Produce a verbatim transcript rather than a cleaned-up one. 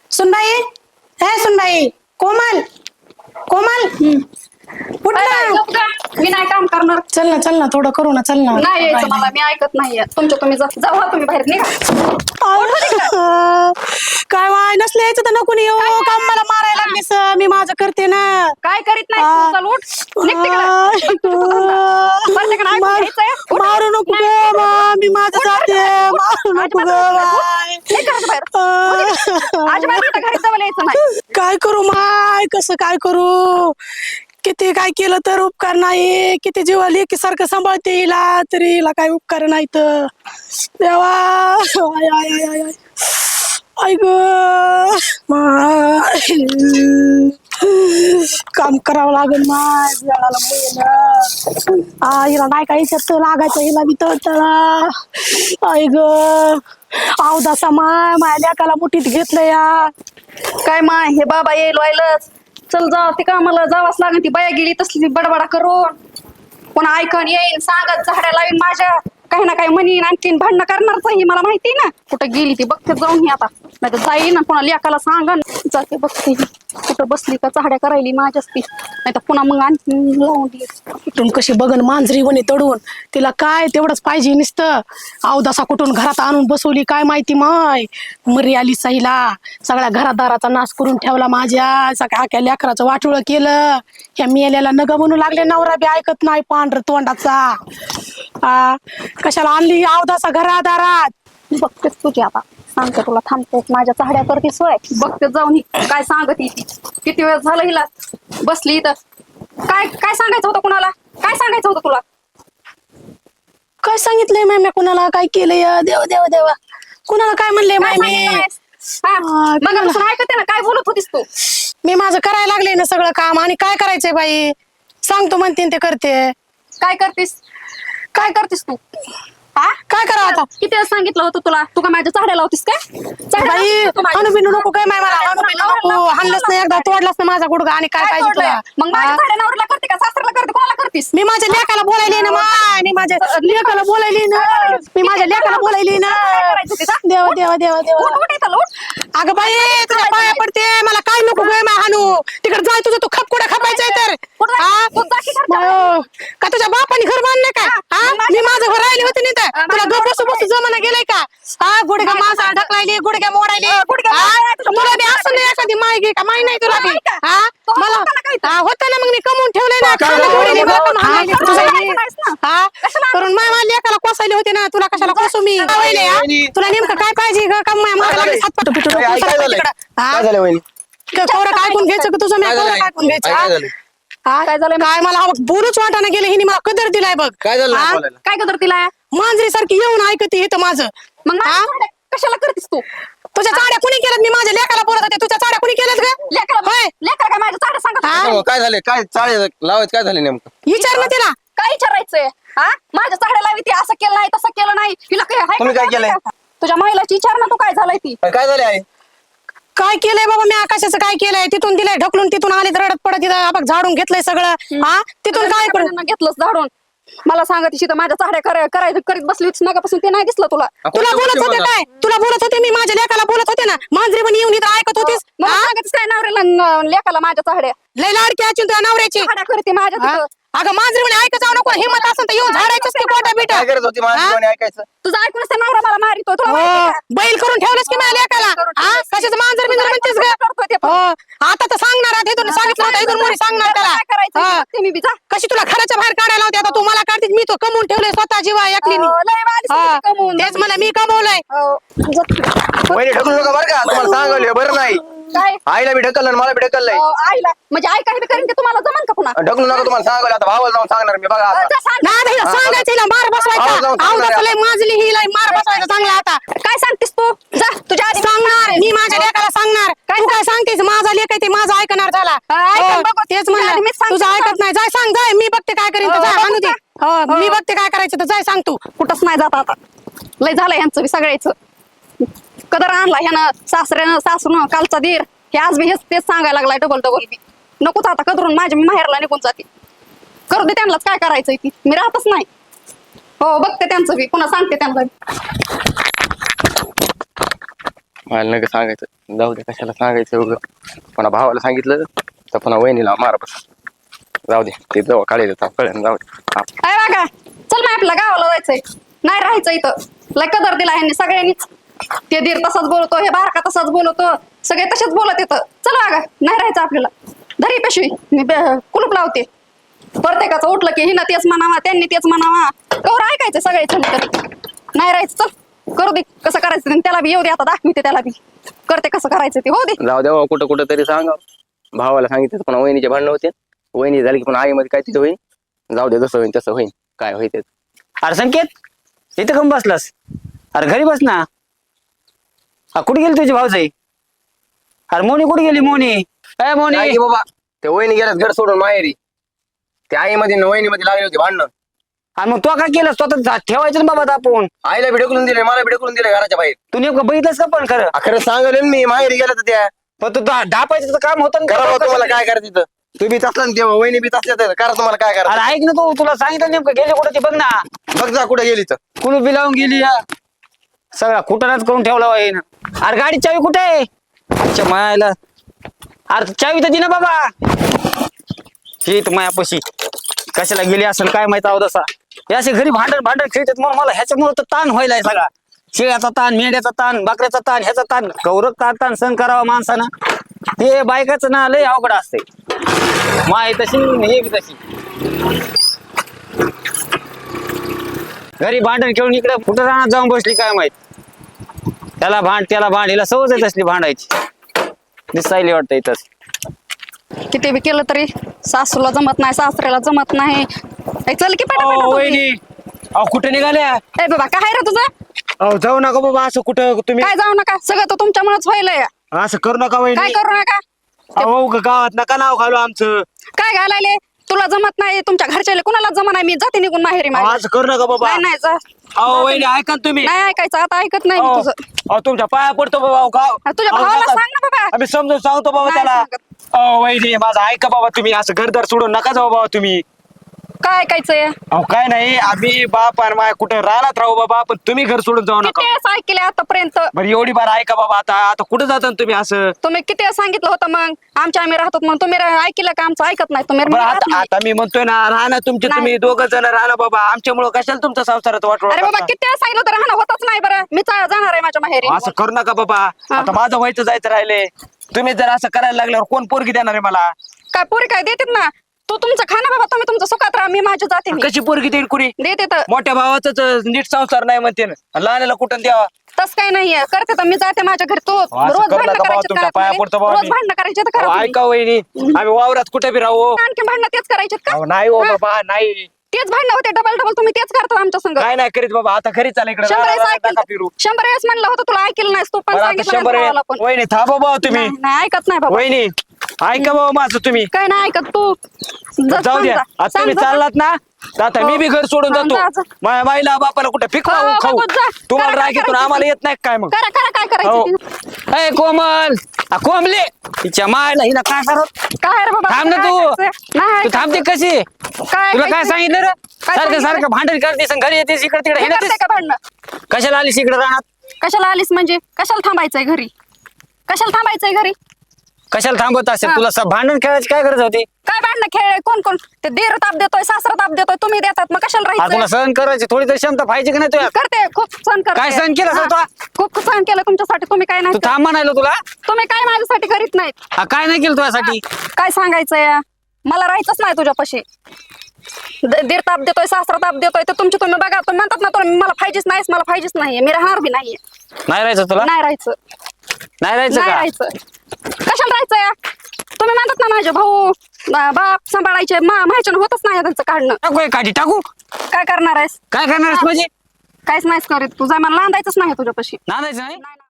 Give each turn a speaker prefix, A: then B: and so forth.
A: सुनबाई, हे सुनबाई, कोमल कोमल उठ ना.
B: मी नाही काम करणार.
A: चल ना चल ना थोडं करू ना, चल ना.
B: नाही यायचं मला, मी ऐकत नाहीये तुमच्या. तुम्ही जा- जावा तुम्ही बाहेर निघा.
A: काय वाय नसले यायचं तर नको येऊ. काम मला मारायला लागलीस, मी माझं करते ना.
B: काय करीत नाही तू? चल उठ, निघ तिकडं. बरं, तिकडं ऐकून
A: मार-
B: घ्यायचंय. उठ.
A: मारू नको ग मा, मी माझं जाते. मारू नको ग बाय.
B: निघ घराच्या बाहेर. अजिबात इथं घरी जवळ यायचं नाही.
A: काय करू माय, कसं काय करू? किती काय केलं तर उपकार नाही. किती जीवा लेकी सारखं सांभाळते हिला, तरी हिला काय उपकार नाही तर देवा. आय आय आय आय आय आय ग माय. काम करावं लागेल माय वेळाला मुलीला. आ हिला नाही काही शब्द लागायचं, हिला बी तळतळा. आय ग अवदासा माय, माझ्या लेकाला मुठीत घेतलं या.
B: काय माय, हे बाबा येईल व्हायलंच. चल जा, ती कामाला जावाच लागेल. ती बाया गेली तसली बडबडा करून, पुन्हा ऐकून येईन, सांगत झाड्या लावीन माझ्या, काही ना काही म्हणीन, आणखीन भांडणं करणारच ही मला माहिती ना. कुठं गेली ती बघते जाऊन ही आता, नाही तर जाईन ना पुन्हा लेकाला सांगन. जाते बघते ही कुठं बसली का चाहड्या करायली माझ्याच ती, नाही तर पुन्हा मग आणखीन लावून दे.
A: तुम्ही कशी बघन मांजरी वणी तडून, तिला काय तेवढंच पाहिजे नुसतं. अवदासा कुठून घरात आणून बसवली काय माहिती माय. मरी आली साईला, सगळ्या घरादाराचा नाश करून ठेवला माझ्या. सगळ्या आख्या लेकराचं वाटोळ केलं. ह्या मेल्याला नग म्हणू लागले, नवरा बी ऐकत नाही पांढर तोंडाचा. आ कशाला आणली अवदासा घरादारात?
B: बघतेच तुझी आता, सांगते तुला. थांबते, माझ्या चाहड्या करते सोय. बघते जाऊन ही काय सांगत ती. किती वेळ झालं हिला बसली इथं. काय काय सांगायचं होतं कुणाला? काय सांगायचं होतं तुला?
A: काय सांगितलंय माय मी कुणाला? काय केलंय देवा देवा देवा? कुणाला काय म्हणले
B: काय
A: माय मी?
B: सांगितलं नाहीस? हा,
A: आ,
B: मग असं ऐकते ना, काय बोलत होतीस तू?
A: मी माझं करायला लागले ना सगळं काम, आणि काय करायचंय बाई? सांगतो म्हणते ते करते.
B: काय करतीस? काय करतीस तू? हा,
A: काय करावं आता?
B: किती वेळा सांगितलं होतं तुला? तू का माझ्या चाहड्या लावतीस काय? चाहड्या
A: बाई
B: लावतीस तू माझ्या?
A: हाणू बिनू नको काय माय मला, हाणू बिनू नको. हाणलंच नाही एकदा, तोडलाच ना माझा गुडगा, आणि काय
B: काय
A: पाहिजे
B: तोडलंय?
A: तुला?
B: मग माझ्या
A: हा?
B: चाहड्या नवऱ्याला करते का सासऱ्याला करते? कोणाला करतीस?
A: मी माझ्या लेकाला बोलायली ना माय, मी माझ्या लेकाला बोलायली ना, मी माझ्या लेकाला बोलायली ना.
B: काय करायचं ते? जा.
A: देवा देवा देवा देवा.
B: उठ उठ इथं, उठ.
A: अगं बाई तुझ्या पाया पडते, मला काय नको गं माय हाणू. तिकडे जाय, तुझं तू खपकुडा खपायचंय तर.
B: कुठं जायचं?
A: हा?
B: तू जा की घरच्या
A: मायो, का तुझ्या बापाने घर बांधलं काय?
B: हा?
A: हा?
B: माझ्या-
A: मी माझं घर राहिले होते नाही तर
B: हा,
A: तुला
B: माझं
A: गप
B: घर
A: बसू बसू जमाना गेलाय का? हा गुडघ्या
B: माझं-
A: माणसाला ढकलायली, गुडघ्या मोडायली.
B: अं, गुडघ्या
A: हा?
B: मोडायला तुला
A: तुला बी
B: मोडायला
A: असं नाही एखादी माय घे का? माय नाही तुला बी.
B: नाही का?
A: हा?
B: तो
A: मला
B: होता ना काहीतरी.
A: हा, होतं ना, मग मी कमवून ठेवलंय ना.
C: काय
A: खायला
C: झालं?
A: गोडीने मला पण
C: हा?
A: हाणलेली
B: कशाला
A: तुझ्या
B: हाणायचं
A: घरी.
B: नाहीस ना?
A: हा?
B: कशाला
A: करून माय माझ्या लेकाला कोसायले होते ना, तुला कशाला कोसू मी? वहिनी, हा?
C: वहिनी.
A: तुला नेमकं काय पाहिजे ग? का माय मला लागली सात पाटू पिटू
C: काय
A: नको,
C: काय
A: सरक
C: झालंय?
A: तिकडं. हा?
C: काय झालं वहिनी?
A: कोरं काय ऐकून घ्यायचं का तुझं? मी
C: काय
A: कोरं
C: झालंय?
A: काय ऐकून घ्यायचं?
C: काय
A: हा?
C: झालं?
A: हा?
B: काय झालंय?
A: काय मला बोलूच वाटाना गेलं, हिने मला कदर दिलाय बघ.
C: काय झालं
A: हा?
C: बोलायला?
B: काय करतो तिला?
A: मांजरी सारखी येऊन ऐकते इथं माझं.
B: मग माझ्या
A: हा?
B: चाहड्या कशाला करतीस तू?
A: तुझ्या चाड्या कुणी केल्यात? मी माझ्या लेकाला बोलत होते, तुझ्या चाड्या कुणी केल्यात ग?
B: लेकरं
A: होय.
B: लेकरं काय माझ्या चाहड्या सांगत
A: हा?
B: होती?
C: हो, काय झाले? काय चाळे लावायचं काय झाले नेमकं?
A: विचार ना तिला.
B: काय विचारायचंय? हा, माझ्या चाहड्या लावी ती, असं केलं नाही तसं केलं नाही. तिला काय हाय
C: तुम्ही
B: का?
C: काय केलंय?
B: तुझ्या महिलाची विचार ना, तू काय झालंय ती.
C: काय झाले आहे?
A: काय केलंय बाबा मी? आकाशाचं काय केलंय? तिथून दिलंय ढकलून, तिथून आले तर रडत पडत तिथं बघ झाडून घेतलंय सगळं. हा? तिथून काय करू?
B: घेतलंस झाडून. मला सांगत तर माझ्या चाहड्या कराय करायचं करीत बसली होतीस नकापासून, ते नाही दिसलं तुला?
A: तुला बोलत होते काय? तुला बोलत होते मी, माझ्या लेकाला बोलत होते ना. मांजरी पण येऊन इथं ऐकत होतीस.
B: मला
A: हा?
B: सांगतेस काय नवऱ्याला न- लेकाला माझ्या चाहड्या
A: लय लाडकी असून तुझ्या नवऱ्याची.
B: चाहड्या करते माझ्या
A: हा?
B: तिथं.
A: अगं मांजरी म्हणे ऐकत जाऊ नको, हिंमत असेल तर येऊन झाडायचंच की कोटा बिटा.
C: काय करत होती माझ्या
A: हा?
C: जीवाने ऐकायचं?
B: तुझं ऐकूनच ते नवरा मला मारितो, तुला माहिती
A: हो,
B: का?
A: बैल करून ठेवलंस की माझ्या लेकाला.
B: करून
A: हा?
B: ठेवलंस.
A: कशाचं मांजर बिंजर
B: तुझं
A: म्हणतेस
B: ऐकून
A: ग?
B: करतोय ते पण.
A: हो, आता तर सांगणार आहे, इथून सांगितलं होतं, इथून मोरी सांगणार त्याला.
B: काय करायचं
A: हा.
B: ते मी बी जा.
A: कशी तुला घराच्या बाहेर काढायला होते? आता तू मला काढते, मी तो कमवून ठेवलंय स्वतः जीवा एकलीनी.
B: अहो, लय वालीस
A: हा.
B: तुझी कमवून.
A: तेच मला मी कमवलंय.
B: हो.
C: वहिनी ढकलू नका बरं का, तुम्हाला सांगायला बरं नाही.
B: काय?
C: आईला बी ढकललं आणि मला बी ढकललंय.
B: अहो, आईला म्हणजे आई काही बी करीन ते तुम्हाला जमन का पुन्हा?
C: ढकलू नका, तुम्हाला सांगायला आता भावाला जाऊन सांगणार मी बघा
B: अहो,
C: आता.
B: जा सांग.
A: नाही आता हिला सांगायचं, हिला मार बसवायचा.
C: आवाज जाऊन
A: आवाज
C: सांगणार
A: लय माजली, हिला मार बसवायचा चांगला आता.
B: काय सांगतेस तू? जा तुझ्या आधी
A: सांगणार मी माझ्या लेकाला सांगणार. तू काय सांगतेस? माझा लेक आहे ते माझा ऐकणार झाला.
B: हा, ऐकन
A: हो,
B: बघू.
A: तेच
B: तुझ्या आधी मीच
A: म्हणलं,
B: सांगते
A: तुझं
B: ना.
A: ऐकत नाही. जाय सांग, जाय, मी बघते काय करीन तर.
B: हो,
A: जाय
B: बघू
A: आणू दे.
B: का?
A: हो, मी
B: हो.
A: बघते काय करायचं तर. जाय सांग तू.
B: कुठंच नाही जात आता. लय झालंय ह्यांचं बी सगळ्याचं. कदर आणला ह्यानं, सासऱ्यानं सासून कालचा दीर, हे आज बी हेच तेच सांगायला लागलाय डबल डबल बी. नकोच आता कदरून माझ्या मी माहेरला निघून जाते. करू दे त्यांनाच, काय करायचंय ती, मी राहतच नाही. हो, बघते त्यांचं बी, पुन्हा सांगते त्यांना.
C: मला नका सांगायचं, जाऊ दे कशाला सांगायचं उगं. पुन्हा भावाला सांगितलं तर पुन्हा वहिनीला मारा बस. जाऊ दे ते जवळ काढेल कळेल, जाऊ दे. हा.
B: काय बघा चल ना आपल्या गावाला जायचंय, नाही राहायचं इथं. लय कदर दिला ह्यांनी सगळ्यांनीच. ते दीर तसाच बोलतो, हे बारका तसाच बोलतो, सगळे तसेच बोलत येतं. चल बघा नाही राहायचं आपल्याला. धरी पिशवी मी बे- कुलूप लावते. प्रत्येकाचं उठलं की हिनं तेच म्हणावा त्यांनी तेच म्हणावा, कवर ऐकायचं सगळे तरी. नाही राहायचं चल, करू दे कसं करायचं ते. त्याला बी येऊ दे, आता दाखवते त्याला बी करते कसं करायचं ते. हो दे.
C: जाऊ द्या कुठं कुठं तरी सांगा. भावाला सांगितलं तर पुन्हा वहिनीचे भांडणं होते. वहिनी झाली की पुन्हा आईमध्ये काय तिथं होईल. जाऊ दे जसं होईल तसं होईल, काय होईल ते.
D: अरे संकेत इथं कम बसलास? अरे घरी बस ना. हा कुठे गेली तुझी भाऊजाई? अरे मोनी कुठे गेली? मोनी काय मोनी?
C: काय की बाबा ते वहिनी गेल्यात घर सोडून माहेरी. ते आईमध्ये वहिनीमध्ये लागली होती भांडणं.
D: अरे मग तो काय केलं? स्वतः ठेवायचं ना बाबा आपण.
C: आईला भिडकलून दिले, मला भिडकलून दिले घराच्या बाहेर.
D: तू नेमकं बघितलंस का पण खरं?
C: खरं सांगेल मी माहेरी गेला तर त्या
D: पण तू ढा- ढापायचं तर काम होतं ना.
C: करा तुम्हाला काय करायचं तिथं. तू बी तसला ना तेव्हा वहिनी बी तसल्या तर करा तुम्हाला काय करा.
D: अरे ऐक ना, तू तुला सांगितलं नेमकं गेले कुठे ते बघ ना.
C: बघ जा कुठे गेली तर.
D: कुलूप बी लावून गेली या. सगळा कुटाणाच करून ठेवला आहे ना. अरे गाडी चावी कुठे आहे? अच्छा मायाला. अरे चावी तर दे ना बाबा. ही तर मायापाशी कशाला गेली असेल काय माहित आहो तसा. हे असे घरी भांडण भांडण खेळतात म्हणून मला ह्याच्यामुळे तर ताण व्हायलाय सगळा. शेळ्याचा ताण, मेंढ्याचा ताण, बकऱ्याचा ताण, ह्याचा ताण, गौरव ताण ताण सहन करावा माणसानं. ते बायकाचं ना लय अवघड असते. माय तशी हे बी तशी. घरी भांडण खेळून इकडे कुठं राहणार जाऊन बसली काय माहित. त्याला भांड त्याला भांड, हिला सवय आहे तसली भांडायची. दिसायली वाटतं इथंच.
B: किती बी केलं तरी सासूला जमत नाही, सासऱ्याला जमत नाही. ए, चल की पटापट
E: अहो,
B: तुम्ही.
E: वहिनी अहो कुठे निघाल्या?
B: ए बाबा काय रे तुझं?
E: अहो जाऊ नका बाबा असं कुठं तुम्ही.
B: काय जाऊ नका, सगळं तर तुमच्यामुळेच व्हायलंय.
E: असं करू नका
B: काय
E: वहिनी.
B: करू नका.
E: अहो ग- गावात नका नाव घालू आमचं.
B: काय घालायले? तुला जमत नाही, तुमच्या घरच्याला कुणाला जमत नाही. मी जाते निघून माहेरी
E: अहो,
B: माझ्या.
E: असं करू नका बाबा.
B: नाही नाही जा.
E: अहो वहिनी ऐका ना तुम्ही.
B: नाही ऐकायचं आता, ऐकत नाही मी
E: अहो
B: तुझं.
E: अहो, तुमच्या पाया पडतो बाबा. अहो, गाव-
B: अहो, तुझ्या
E: अहो,
B: भावाला
E: नका.
B: सांग ना बाबा.
E: आम्ही समजून सांगतो बाबा
B: नाही
E: त्याला.
B: सांगत.
E: अहो वहिनी माझं ऐका बाबा, तुम्ही असं घरदार सोडून नका जाऊ बाबा तुम्ही.
B: काय ऐकायचंय?
E: अहो काय नाही, आम्ही बाप आणि माय कुठे राहणार राहू बाबा, पण तुम्ही घर सोडून जाऊ नका.
B: किती वेळेस ऐकले आतापर्यंत?
E: बरं एवढी बार ऐका बाबा. आता आता कुठे जाता ना तुम्ही असं?
B: तुम्ही किती वेळेस सांगितलं होतं मग आमच्या आम्ही राहतो मग तुम्ही रा- ऐकलं का? आमचं ऐकत नाही तुम्ही.
E: बरं
B: राहत
E: आता
B: नाही.
E: आता मी म्हणतोय ना, राहणार तुमचे
B: नाही.
E: तुम्ही दोघं जण राहणार बाबा. आमच्यामुळं कशाला तुमच्या संसारात वाटवळ
B: अरे बाबा
E: करता?
B: किती वेळेस सांगितलं तर राहणं होतच नाही. बरं मी चा- जाणार आहे माझ्या माहेरी.
E: असं करू नका बाबा.
B: हा.
E: आता माझं व्हायचं जायचं राहिले. तुम्ही जर असं करायला लागल्यावर कोण पोरगी देणार आहे मला?
B: काय पोरी काय देतात ना? तू तुमचं खा ना बाबा, तुम्ही तुमचं सुखात राहा, मी माझ्या जाते. मी
E: कशी पोरगी देईल कुणी?
B: देते तर.
E: मोठ्या भावाच नीट संसार नाही म्हणते ना, लहानाला कुठं द्यावा?
B: तस काही नाहीये, करते तर मी जाते माझ्या घरी. तू
E: असं
B: रोज
E: करू
B: भांडणं
E: नका बाबा,
B: करायचे
E: तुमच्या पाया पडतो बाबा
B: रोज
E: मी.
B: भांडणं करायचे तर
E: अहो,
B: करा तुम्ही.
E: ऐका वहिनी, आम्ही वावरात कुठे बी राहू.
B: आणखी भांडणं तेच करायचे का?
E: अहो, नाही हो
B: हा?
E: बाबा नाही.
B: तेच भांडणं होते डबल डबल, तुम्ही तेच करता आमच्या संग.
E: काय नाही करीत बाबा. आता घरी चाल इकडे.
B: शंभर वेळेस
E: नका
B: ऐकलं,
E: फिरू.
B: शंभर वेळेस म्हणलं होतं तुला, ऐकलं नाहीस तू पण.
E: बरं, आता
B: सांगितलं
E: शंभर
B: नाही
E: वेळ-
B: भावाला पण.
E: वहिनी थांबा बाबा तुम्ही.
B: नाही नाही, ऐकत नाही बाबा.
E: वहिनी ऐका बाबा माझं तुम्ही.
B: काय नाही ऐकत तू. जा-
E: जाऊ द्या.
B: सांग जा.
E: आता तुम्ही
B: सांग जा.
E: चाललात ना, तर आता मी बी घर सोडून
B: हा, जा,
E: जातो.
B: जा.
E: माझ्या माईला बापाला कुठे
B: हो,
E: फिकवा
B: हो,
E: खाऊ.
B: बघू, जा.
E: तुम्हाला
B: करा,
E: राग येतो
B: करा,
E: आम्हाला येत नाही काय मग?
B: करा करा काय
E: हो.
B: करायचं ते.
D: ए कोमल, आ, कोंबले तिच्या मायला हिला काय करत?
B: काय रे बाबा?
D: थांब ना
B: काय
D: तू.
B: ऐकायचं? नाही
D: तू थांबते
B: ऐकायचं.
D: कशी?
B: काय
D: तुला काय
B: ऐकायचं?
D: सांगितलं रे?
B: काय
D: सारखं
B: सांगितलं?
D: सारखं भांडण करतेस आणि घरी येतेस इकडे तिकडे
B: हे करते
D: हिंडतेस.
B: का भांडणं?
D: कशाला आलीस इकडे राहणार?
B: कशाला आलीस म्हणजे? कशाला थांबायचंय घरी? कशाला थांबायचंय घरी?
D: कशाला थांबत असेल?
B: हा.
D: तुला स- भांडण खेळायची काय गरज होती?
B: काय भांडणं खेळ? कोण कोण? ते दीर ताप देतोय, सासरा ताप देतोय, तुम्ही देतात, मग कशाला
D: आ, तुला
B: राहायचं?
D: सहन करायची थोडी तरी क्षमता पाहिजे की नाही तुला?
B: करते, खूप सहन करते.
D: काय सहन केलं
B: हा,
D: स्वतः?
B: खूप सहन केलं तुमच्यासाठी. तुम्ही काय
D: तू
B: नाही
D: थांब म्हणायला तुला.
B: तुम्ही काय माझ्यासाठी करीत नाहीत.
D: आ, काय नाही केलं तुझ्यासाठी?
B: काय सांगायचंय? मला राहायचंच नाही तुझ्यापाशी. द- दीर ताप देतोय, सासरा ताप देतोय, ते तुमची तुम्ही बघा. तुम्ही म्हणतात ना तुम्ही मला पाहिजेच नाहीस, मला पाहिजेच नाहीये, मी राहणार बी नाहीये.
D: नाही राहायचं तुला?
B: नाही राहायचं,
D: नाही राहायचं
B: नाही
D: का?
B: राहायचं. कशाला राहायचंय? तुम्ही म्हणतात ना माझे भाऊ बा- बाप सांभाळायचे, मा- माझ्यानं होतच नाही त्यांचं काढणं.
D: टाकू एक काठी टाकू.
B: काय करणार आहेस?
D: काय करणार आहेस म्हणजे?
B: काहीच नाहीस करीत. तुझा मला नांदायचंच नाही तुझ्यापाशी.
D: नांदायचं नाही?
B: नाही.